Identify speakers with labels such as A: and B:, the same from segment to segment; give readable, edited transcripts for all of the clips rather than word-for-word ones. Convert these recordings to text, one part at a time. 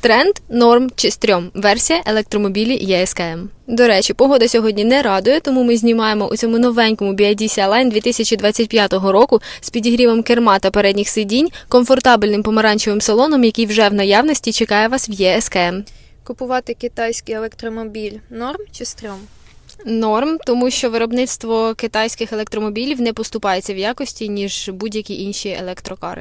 A: Тренд, норм чи стрьом. Версія електромобілі ЄСКМ. До речі, погода сьогодні не радує, тому ми знімаємо у цьому новенькому BYD Sea-Line 2025 року з підігрівом керма та передніх сидінь, комфортабельним помаранчевим салоном, який вже в наявності чекає вас в ЄСКМ.
B: Купувати китайський електромобіль – норм чи стрьом?
A: Норм, тому що виробництво китайських електромобілів не поступається в якості, ніж будь-які інші електрокари.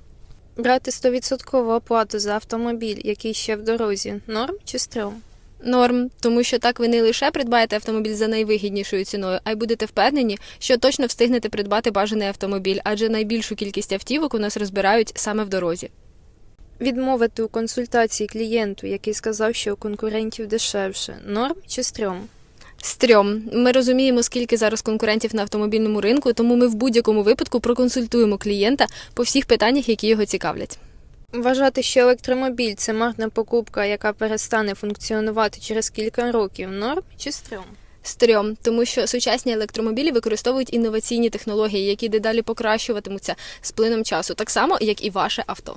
B: Брати 100% оплату за автомобіль, який ще в дорозі – норм чи стрьом?
A: Норм, тому що так ви не лише придбаєте автомобіль за найвигіднішою ціною, а й будете впевнені, що точно встигнете придбати бажаний автомобіль, адже найбільшу кількість автівок у нас розбирають саме в дорозі.
B: Відмовити у консультації клієнту, який сказав, що у конкурентів дешевше – норм чи стрьом?
A: Стрьом. Ми розуміємо, скільки зараз конкурентів на автомобільному ринку, тому ми в будь-якому випадку проконсультуємо клієнта по всіх питаннях, які його цікавлять.
B: Вважати, що електромобіль – це марна покупка, яка перестане функціонувати через кілька років – норм чи стрьом?
A: Стрьом, тому що сучасні електромобілі використовують інноваційні технології, які дедалі покращуватимуться з плином часу, так само, як і ваше авто.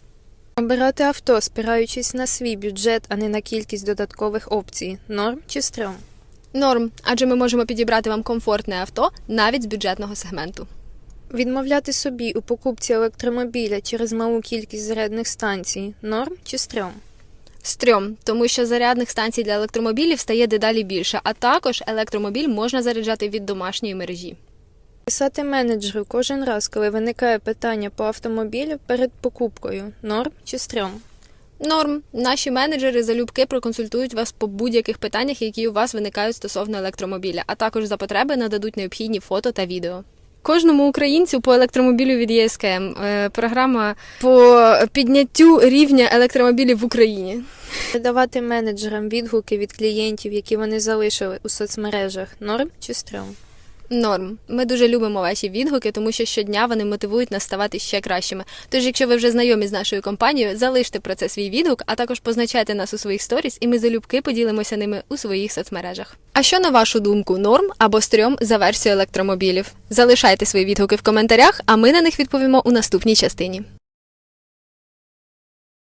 B: Обирати авто, спираючись на свій бюджет, а не на кількість додаткових опцій – норм чи стрьом?
A: Норм, адже ми можемо підібрати вам комфортне авто навіть з бюджетного сегменту.
B: Відмовляти собі у покупці електромобіля через малу кількість зарядних станцій – норм чи стрьом?
A: Стрьом, тому що зарядних станцій для електромобілів стає дедалі більше, а також електромобіль можна заряджати від домашньої мережі.
B: Писати менеджеру кожен раз, коли виникає питання по автомобілю перед покупкою – норм чи стрьом?
A: Норм. Наші менеджери залюбки проконсультують вас по будь-яких питаннях, які у вас виникають стосовно електромобіля, а також за потреби нададуть необхідні фото та відео. Кожному українцю по електромобілю від ЄСКМ. Програма по підняттю рівня електромобілів в Україні.
B: Передавати менеджерам відгуки від клієнтів, які вони залишили у соцмережах – норм чи стрьом?
A: Норм. Ми дуже любимо ваші відгуки, тому що щодня вони мотивують нас ставати ще кращими. Тож, якщо ви вже знайомі з нашою компанією, залиште про це свій відгук, а також позначайте нас у своїх сторіс, і ми залюбки поділимося ними у своїх соцмережах. А що, на вашу думку, норм або стрьом за версію електромобілів? Залишайте свої відгуки в коментарях, а ми на них відповімо у наступній частині.